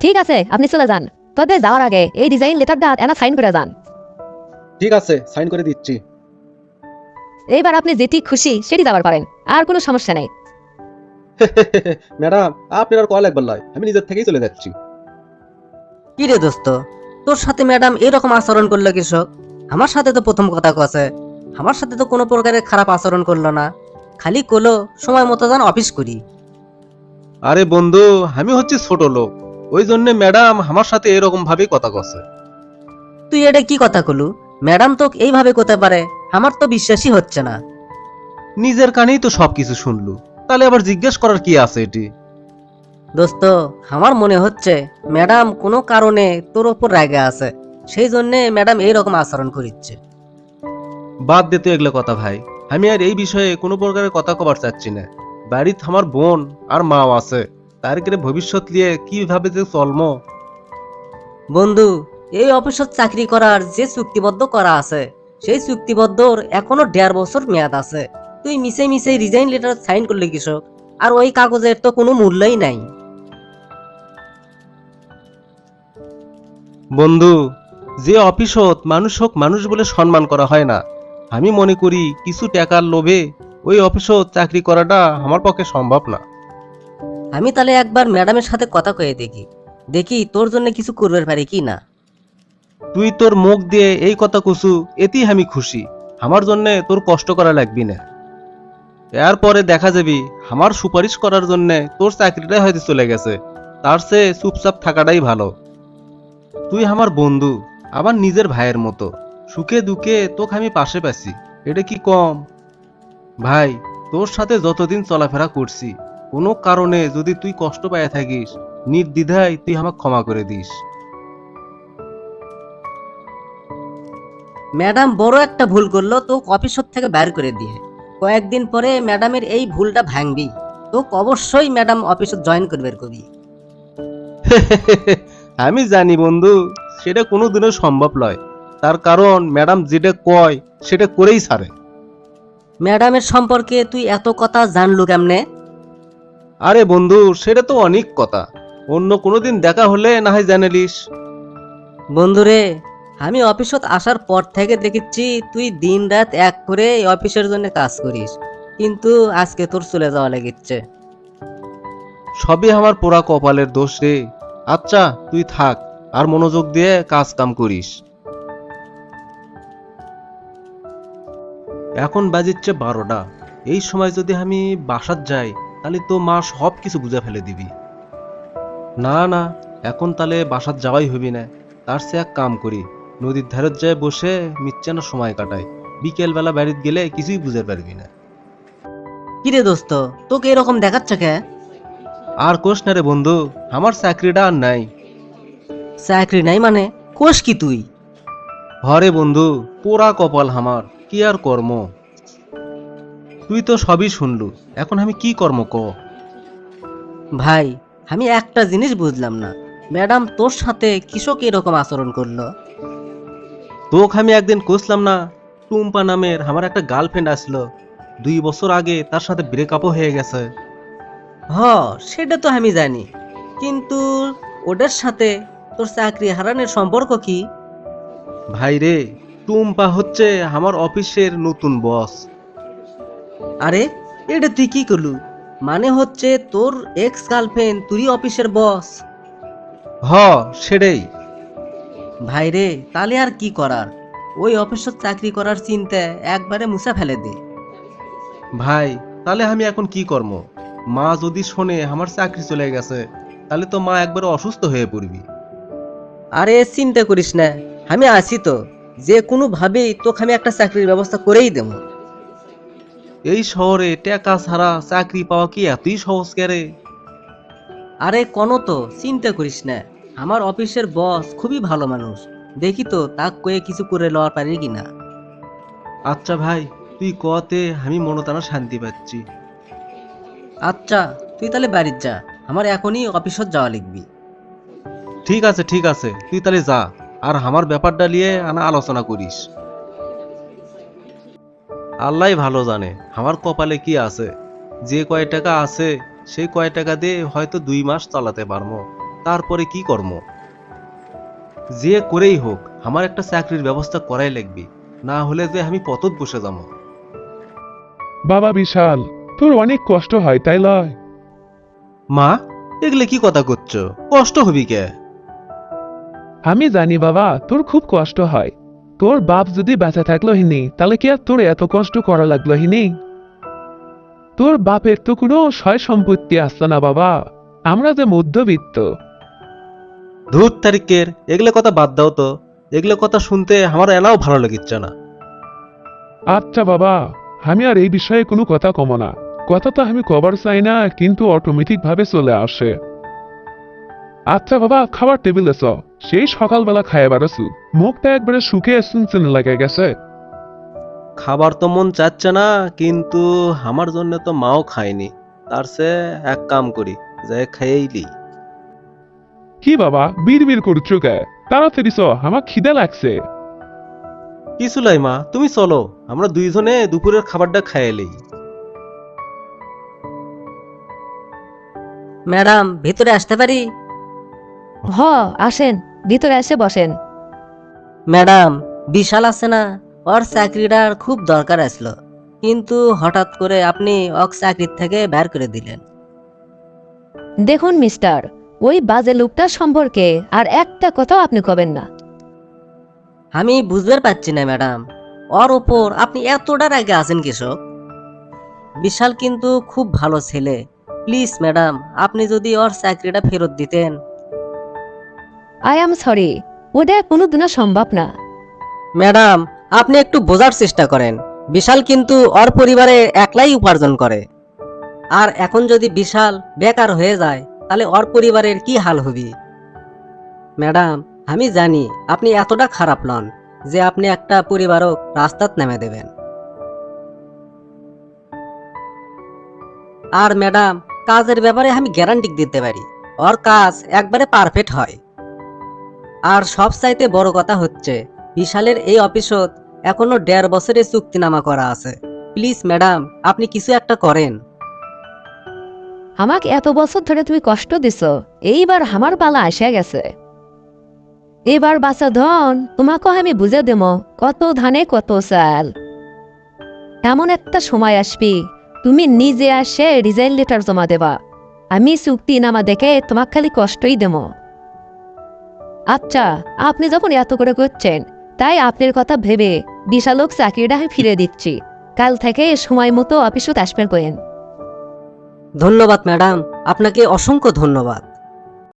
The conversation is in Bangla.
ঠিক আছে, আপনি চলে যান। তবে যাওয়ার আগে এই ডিজাইন লেটারটা এনা সাইন করে যান। ঠিক আছে, সাইন করে দিচ্ছি। এইবার আপনি যেটি খুশি সেটি যাবার পারেন, আর কোনো সমস্যা নেই। ম্যাডাম, আপনার আর কল একবার লয়, আমি নিজের থেকেই চলে যাচ্ছি। কি রে দোস্ত, তোর সাথে ম্যাডাম এরকম আচরণ করলো কৃষক? আমার সাথে তো প্রথম কথা কছে, আমার সাথে তো কোনো প্রকারের খারাপ আচরণ করলো না, খালি কলো সময় মতো যান অফিস করি। আরে বন্ধু, আমি হচ্ছি ছোট লোক, ওই জন্য ম্যাডাম আমার সাথে এরকম ভাবেই কথা কছে। তুই এটা কি কথা কলু? ম্যাডাম তো এইভাবে করতে পারে? আমার তো বিশ্বাসই হচ্ছে না। নিজের কানেই তো সবকিছু শুনলু, তাহলে আবার জিজ্ঞেস করার কি আছে এটি? দোস্ত, আমার মনে হচ্ছে ম্যাডাম কোনো কারণে তোর ওপর রেগে আছে, সেই জন্য ম্যাডাম এইরকম আচরণ করিচ্ছে। বাদ দে তো এগুলো কথা ভাই, আমি আর এই বিষয়ে কোনো প্রকারের কথা কবার চাচ্ছি না। বাড়িতে আমার বোন আর মাও আছে, তার করে ভবিষ্যৎ নিয়ে কিভাবে যে চলমো। বন্ধু, এই অফিসত চাকরি করার যে চুক্তিবদ্ধ করা আছে, সেই চুক্তিবদ্ধর এখনো 1.5 বছর মেয়াদ আছে। তুই মিশে মিশে রিজাইন লেটার সাইন করলি কৃষক, আর ওই কাগজের তো কোনো মূল্যই নাই। বন্ধু, যে অফিসত মানুষ হোক মানুষ বলে সম্মান করা হয় না, আমি মনে করি কিছু টাকার লোভে ওই অফিসত চাকরি করাটা আমার পক্ষে সম্ভব না। আমি তাহলে একবার ম্যাডামের সাথে কথা কয়ে দেখি, দেখি তোর জন্য কিছু করবে পারি কি না। তুই তোর মুখ দিয়ে এই কথা কুসু, এতেই আমি খুশি। আমার জন্য তোর কষ্ট করা লাগবি না। এরপরে দেখা যাবি আমার সুপারিশ করার জন্য তোর চাকরিটাই হয়তো চলে গেছে, তার চেয়ে চুপচাপ থাকাটাই ভালো। তুই আমার বন্ধু, আবার নিজের ভাইয়ের মতো, সুখে দুঃখে তোকে আমি পাশে পাচ্ছি, এটা কি কম? ভাই, তোর সাথে যতদিন চলাফেরা করছি, কোনো কারণে যদি তুই কষ্ট পাইয়া থাকিস, নির্দ্বিধায় তুই আমাকে ক্ষমা করে দিস। ম্যাডাম বড় একটা ভুল করলো, তো অফিস থেকে বের করে দিয়ে কয়েকদিন পরে ম্যাডামের এই ভুলটা ভাঙবি, তো অবশ্যই ম্যাডাম অফিসে জয়েন করবে কবি। আমি জানি বন্ধু, সেটা কোনোদিনও সম্ভব নয়। তার কারণ ম্যাডাম যেটা কয় সেটা করেই ছাড়ে। ম্যাডামের সম্পর্কে তুই এত কথা জানলু কেমনে? আরে বন্ধু, সেটা তো অনেক কথা, অন্য কোনোদিন দেখা হলে না হয় জানালিস। বন্ধুরে, আমি অফিসত আসার পর থেকে দেখেছি তুই দিন রাত এক করে এই অফিসের জন্য কাজ করিস, কিন্তু আজকে তোর চলে যাওয়া লেগেছে। সবই আমার পোড়া কপালের দোষ রে। আচ্ছা, তুই থাক, আর মনোযোগ দিয়ে কাজ কাম করিস। এখন বাজিচ্ছে 12টা। এই সময় যদি আমি বাসাত যাই, তাহলে তো মা সব কিছু বুঝে ফেলে দিবি। না না, এখন তাহলে বাসাত যাওয়াই হবি না। তার চেয়ে এক কাম করি, নদীর ধারে যায় বসে মিচ্ছানো সময় কাটাই। বিকেল বেলা বাড়িতে গেলে কিছুই বুঝতে পারবি না। কিরে দোস্ত, তোকে এরকম দেখাচ্ছে কে? আর কোষ না রে বন্ধু, আমার চাকরিটা আর নাই। চাকরি নাই মানে? কোষ কি তুই? হরে বন্ধু, পোড়া কপাল আমার, কি আর কর্ম। তুই তো সবই শুনলু, এখন আমি কি কর্ম ক? ভাই, আমি একটা জিনিস বুঝলাম না, ম্যাডাম তোর সাথে কৃষক এরকম আচরণ করলো? তোকে আমি একদিন কইছিলাম না, টুম্পা নামের আমার একটা গার্লফ্রেন্ড আসলো, 2 বছর আগে তার সাথে ব্রেকআপও হয়ে গেছে। হ, সেটা তো আমি জানি, কিন্তু ওদের সাথে তোর চাকরি হারানোর সম্পর্ক কি? ভাই রে, টুম্পা হচ্ছে আমার অফিসের নতুন বস। আরে, এটা তুই কি করলু? মানে হচ্ছে তোর এক্স গার্লফ্রেন্ড তুই অফিসের বস? হ, সেটাই। ভাই রে, তাহলে আর কি করার, ওই অফিসের চাকরি করার চিন্তা একবারে মুছে ফেলে দে। ভাই, তাহলে আমি এখন কি করব? মা যদি শোনে আমার চাকরি চলে গেছে, তাহলে তো মা একবারে অসুস্থ হয়ে পড়বি। আরে চিন্তা করিস না, আমি আছি তো, যে কোনো ভাবেই তোকে আমি একটা চাকরির ব্যবস্থা করেই দেবো। এই শহরে টাকা ছাড়া চাকরি পাওয়া কি এতই সহজ করে? আরে কোনো তো চিন্তা করিস না, আমার অফিসের বস খুবই ভালো মানুষ, দেখি তো তাক কয়ে কিছু করে লওয়ার পারি কিনা। আচ্ছা ভাই, তুই কতে আমি মনটানা শান্তি পাচ্ছি। আচ্ছা, তুই তাহলে বাড়ির যা, আমার এখনই অফিসত যাওয়া লিখবি। ঠিক আছে ঠিক আছে, তুই তাহলে যা, আর আমার ব্যাপারটা নিয়ে আনা আলোচনা করিস। আল্লাহ ভালো জানে আমার কপালে কি আছে। যে কয় টাকা আছে সেই কয় টাকা দিয়ে হয়তো 2 মাস চালাতে পারবো, তারপরে কি কর্ম? যে করেই হোক আমার একটা চাকরির ব্যবস্থা করাই লাগবে, না হলে যে আমি পথত বসে যাবো। বাবা বিশাল, তোর অনেক কষ্ট হয় তাই লয়? মা, এগুলো কি কথা করছো? কষ্ট হবি কে? আমি জানি বাবা, তোর খুব কষ্ট হয়। তোর বাপ যদি বেঁচে থাকলো হিনি, তাহলে কি আর তোর এত কষ্ট করা লাগলো হিনি? তোর বাপের তো কোনো সয় সম্পত্তি আসতো না বাবা, আমরা যে মধ্যবিত্ত। ধূর তারিখের, এগুলো কথা বাদ দাও তো। এগুলো কথা শুনতে আমার এনাও ভালো লাগিচ্ছে না। আচ্ছা বাবা, আমি আর এই বিষয়ে কোনো কথা কম না। কথা তো আমি কবার চাই না, কিন্তু অটোমেটিক ভাবে চলে আসে। আচ্ছা বাবা, খাবার টেবিলে চ। সেই সকালবেলা খাইয়ে বেড়াছু, মুখটা একবারে শুকিয়ে চুনচুন লেগে গেছে। খাবার তো মন চাচ্ছে না, কিন্তু আমার জন্য তো মাও খায়নি। তার সে এক কাম করি, যে খাইয়েইলি। কি বাবা বিড় করছো কে? তাড়াতাড়ি চ, আমার খিদে লাগছে। কিছু লাই মা, তুমি চলো, আমরা দুইজনে দুপুরের খাবারটা খাইয়েলি। ম্যাডাম, ভিতরে আসতে পারি? হ, আসেন, ভিতরে এসে বসেন। ম্যাডাম, বিশাল আছে না, ওর চাকরিটার খুব দরকার আসলো, কিন্তু হঠাৎ করে আপনি ওর চাকরির থেকে বের করে দিলেন। দেখুন মিস্টার, ওই বাজে লোকটা সম্পর্কে আর একটা কথাও আপনি কবেন না। আমি বুঝতে পারছি না ম্যাডাম, ওর ওপর আপনি এতটা রেগে আছেন কৃষক। বিশাল কিন্তু খুব ভালো ছেলে। প্লিজ ম্যাডাম, আপনি যদি ওর চাকরিটা ফেরত দিতেন। আই এম সরি, ওটা কোনোদিনও সম্ভব না। ম্যাডাম, আপনি একটু বোঝার চেষ্টা করেন। বিশাল কিন্তু ওর পরিবারে একলাই উপার্জন করে, আর এখন যদি বিশাল বেকার হয়ে যায়, তাহলে ওর পরিবারের কি হাল হবে? ম্যাডাম, আমি জানি আপনি এতটা খারাপ নন যে আপনি একটা পরিবারও রাস্তাত নেমে দেবেন। আর ম্যাডাম, কাজের ব্যাপারে আমি গ্যারান্টি দিতে পারি, ওর কাজ একবারে পারফেক্ট হয়। আর সব চাইতে বড় কথা হচ্ছে, বিশালের এই অফিসত এখনো 1.5 বছরের চুক্তিনামা করা আছে। প্লিজ ম্যাডাম, আপনি কিছু একটা করেন। আমাকে এত বছর ধরে তুমি কষ্ট দিছ, এইবার আমার পালা আসে গেছে। এবার বাচ্চা ধন তোমাকে আমি বুঝে দেব, কত ধানে কত চাল। এমন একটা সময় আসবি, তুমি নিজে আসে রিজাইন লেটার জমা দেবা, আমি চুক্তি নামা দেখে তোমাকে খালি কষ্টই দেব। আচ্ছা, আপনি যখন এত করে করছেন, তাই আপনার কথা ভেবে বিশালক চাকরিটা আমি ফিরে দিচ্ছি। কাল থেকে সময় মতো অফিসে আসবেন করেন। ধন্যবাদ ম্যাডাম, আপনাকে অসংখ্য ধন্যবাদ।